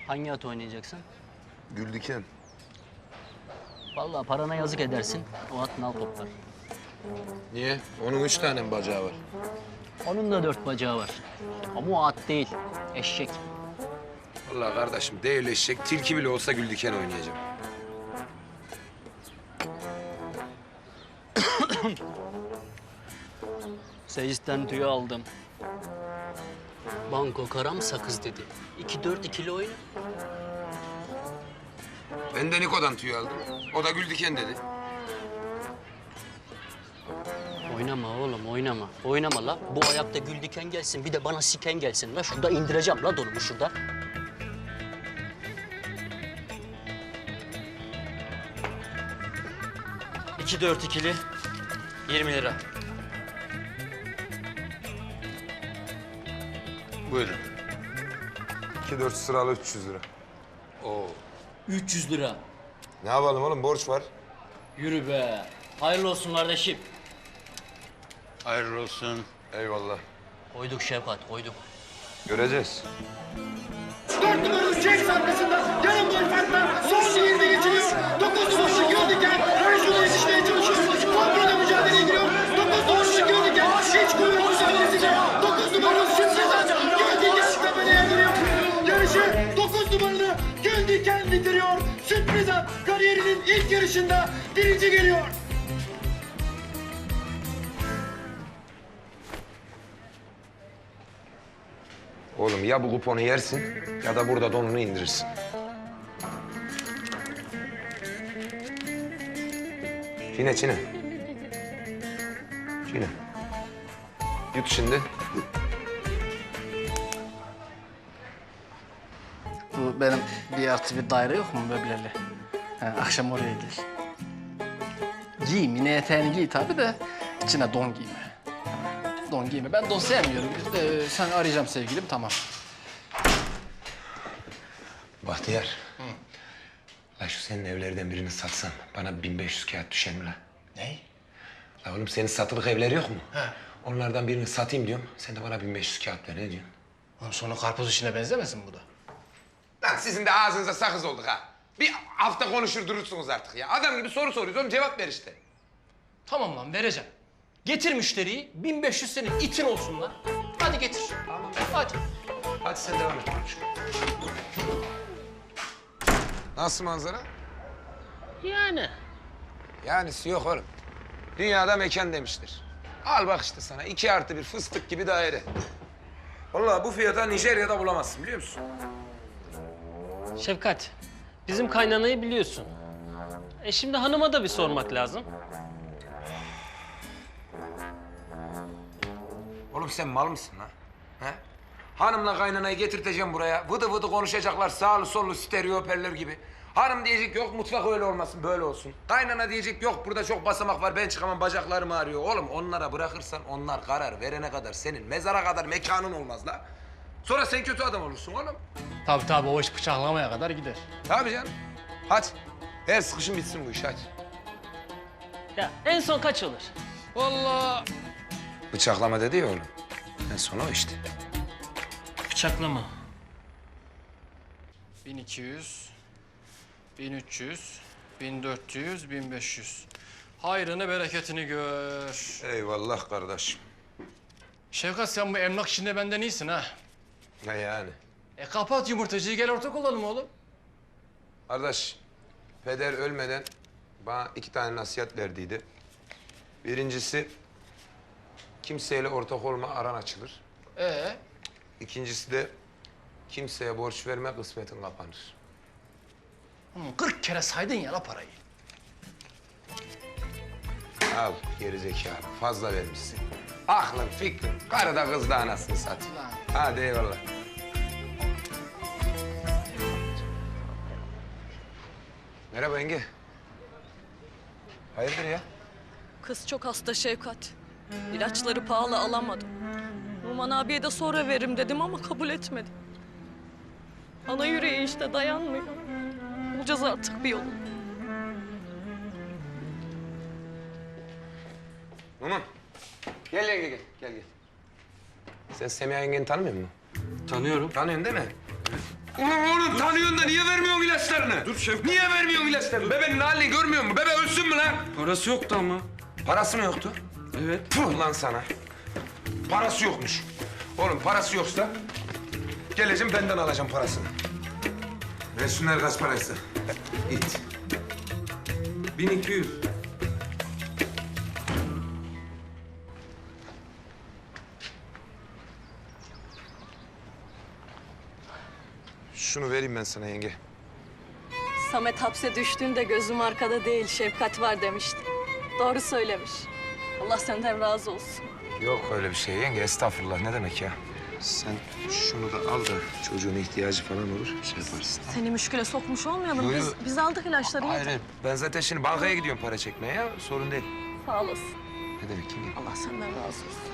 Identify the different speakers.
Speaker 1: Hangi at oynayacaksın?
Speaker 2: Güldiken.
Speaker 1: Vallahi parana yazık edersin. O at nal toplar.
Speaker 2: Niye? Onun 3 tane mi bacağı var?
Speaker 1: Onun da 4 bacağı var. Ama o at değil. Eşek.
Speaker 2: Vallahi kardeşim değil eşek, tilki bile olsa Güldiken oynayacağım.
Speaker 1: Seyisten tüyü aldım. Banko karam sakız dedi. 2-4 ikili oyna.
Speaker 2: Ben de Niko'dan tüy aldım. O da Güldiken dedi.
Speaker 1: Oynama oğlum oynama. Oynama la. Bu ayakta gül diken gelsin bir de bana siken gelsin la. Şurada indireceğim la donumu şurada.
Speaker 3: İki dört ikili 20 lira.
Speaker 2: Buyurun. 2-4 sıralı 300 lira. Oo.
Speaker 1: 300 lira.
Speaker 2: Ne yapalım oğlum, borç var.
Speaker 1: Yürü be. Hayırlı olsun kardeşim.
Speaker 2: Hayırlı olsun. Eyvallah.
Speaker 1: Koyduk Şevkat koyduk.
Speaker 2: Göreceğiz.
Speaker 4: 4 numaralı James arkasında yarım gol farkla son 20 geçiliyor. 9 numaralı Göldiken Rajun'a yetişmeye çalışıyor. Kontrolde mücadeleye giriyor. 9 numaralı Göldiken hiç kuyruğu mücadelesiyle 9 numaralı Sürpriz'den Göldiken tepeleye giriyor. Yarışı 9 numaralı Göldiken bitiriyor. Sürpriz'den kariyerinin ilk yarışında birinci geliyor.
Speaker 2: Oğlum ya bu kuponu yersin ya da burada donunu indirirsin. Çiğne, çiğne. Çiğne. Yut şimdi.
Speaker 5: Bu benim 1+1 daire yok mu möbleli? Akşam oraya gel. Giy, mini eteğini giy tabii de içine don giyme. Don giyme. Ben don sevmiyorum. Sen arayacağım sevgilim, tamam.
Speaker 2: Bahtiyar. La şu senin evlerden birini satsan bana 1500 kağıt düşer mi la?
Speaker 5: Ne?
Speaker 2: La oğlum senin satılık evleri yok mu? He. Onlardan birini satayım diyorum. Sen de bana 1500 kağıt ver, ne diyorsun?
Speaker 5: Oğlum sonra karpuz işine benzemesin bu da.
Speaker 2: Lan sizin de ağzınıza sakız olduk ha. Bir hafta konuşur durursunuz artık ya. Adam gibi soru soruyoruz oğlum, cevap ver işte.
Speaker 5: Tamam lan, vereceğim. Getir müşteriyi, 1500 senin itin olsun lan. Hadi getir. Tamam. Hadi.
Speaker 2: Hadi sen devam et konuş. Nasıl manzara?
Speaker 1: Yani.
Speaker 2: Yanisi yok oğlum. Dünyada mekan demiştir. Al bak işte sana 2+1 fıstık gibi daire. Vallahi bu fiyata Nijerya'da bulamazsın, biliyor musun?
Speaker 3: Şefkat, bizim kaynanayı biliyorsun. Şimdi hanıma da bir sormak lazım.
Speaker 2: Oğlum sen mal mısın lan? He? Hanımla kaynanayı getirteceğim buraya. Vıdı vıdı konuşacaklar sağlı sollu stereo hoparlör gibi. Hanım diyecek yok mutfak öyle olmasın böyle olsun. Kaynana diyecek yok burada çok basamak var ben çıkamam bacaklarım ağrıyor. Oğlum onlara bırakırsan onlar karar verene kadar senin mezara kadar mekanın olmaz la. Sonra sen kötü adam olursun oğlum.
Speaker 5: Tabii o iş bıçaklamaya kadar gider.
Speaker 2: Tabii canım. Hadi. Her sıkışın bitsin bu iş hadi.
Speaker 3: Ya en son kaç olur?
Speaker 5: Vallahi
Speaker 2: Bıçaklama dedi ya oğlum. En son o işte.
Speaker 3: Bıçaklama.
Speaker 5: 1200, 1300, 1400, 1500. Hayrını bereketini gör.
Speaker 2: Eyvallah kardeşim.
Speaker 5: Şevkat, sen bu emlak işinde benden iyisin ha.
Speaker 2: Ne yani?
Speaker 5: Kapat yumurtacıyı, gel ortak olalım oğlum.
Speaker 2: Kardeş, peder ölmeden bana 2 tane nasihat verdiydi. Birincisi, kimseyle ortak olma aran açılır. İkincisi de kimseye borç verme kısmetin kapanır.
Speaker 5: 40 kere saydın ya la parayı.
Speaker 2: Al gerizekalı, fazla vermişsin. Aklın, fikrin, karı da kız da anasını satayım.
Speaker 5: Lan.
Speaker 2: Hadi eyvallah. Merhaba yenge. Hayırdır ya?
Speaker 6: Kız çok hasta Şevkat. İlaçları pahalı alamadım. Numan abiye de sonra veririm dedim ama kabul etmedi. Ana yüreği işte dayanmıyor. Bulacağız artık bir yolu.
Speaker 2: Numan. Gel yenge gel, gel. Sen Semiha yengeni tanımıyor musun?
Speaker 3: Tanıyorum.
Speaker 2: Tanıyorsun değil mi? Ulan oğlum tanıyorsun da niye vermiyorsun ilaçlarını?
Speaker 7: Dur Şevkat.
Speaker 2: Niye vermiyorsun ilaçlarını? Bebeğin halini görmüyor musun? Bebe ölsün mü lan?
Speaker 7: Parası yoktu ama.
Speaker 2: Parası mı yoktu?
Speaker 7: Evet.
Speaker 2: Puh lan sana. Parası yokmuş. Oğlum parası yoksa geleceğim benden alacağım parasını. Versinler kaç parası? İt.
Speaker 7: 1200.
Speaker 2: Şunu vereyim ben sana yenge.
Speaker 6: Samet hapse düştüğünde gözüm arkada değil, şefkat var demişti. Doğru söylemiş. Allah senden razı olsun.
Speaker 2: Yok öyle bir şey yenge. Estağfurullah. Ne demek ya? Sen şunu da al da çocuğun ihtiyacı falan olur. Şey yaparsın.
Speaker 6: Seni müşküle sokmuş olmayalım.
Speaker 2: Yo, yo.
Speaker 6: Biz aldık ilaçları.
Speaker 2: Hayır, hayır. Ben zaten şimdi bankaya gidiyorum para çekmeye ya. Sorun değil.
Speaker 6: Sağ olasın.
Speaker 2: Ne demek yenge?
Speaker 6: Allah senden razı olsun.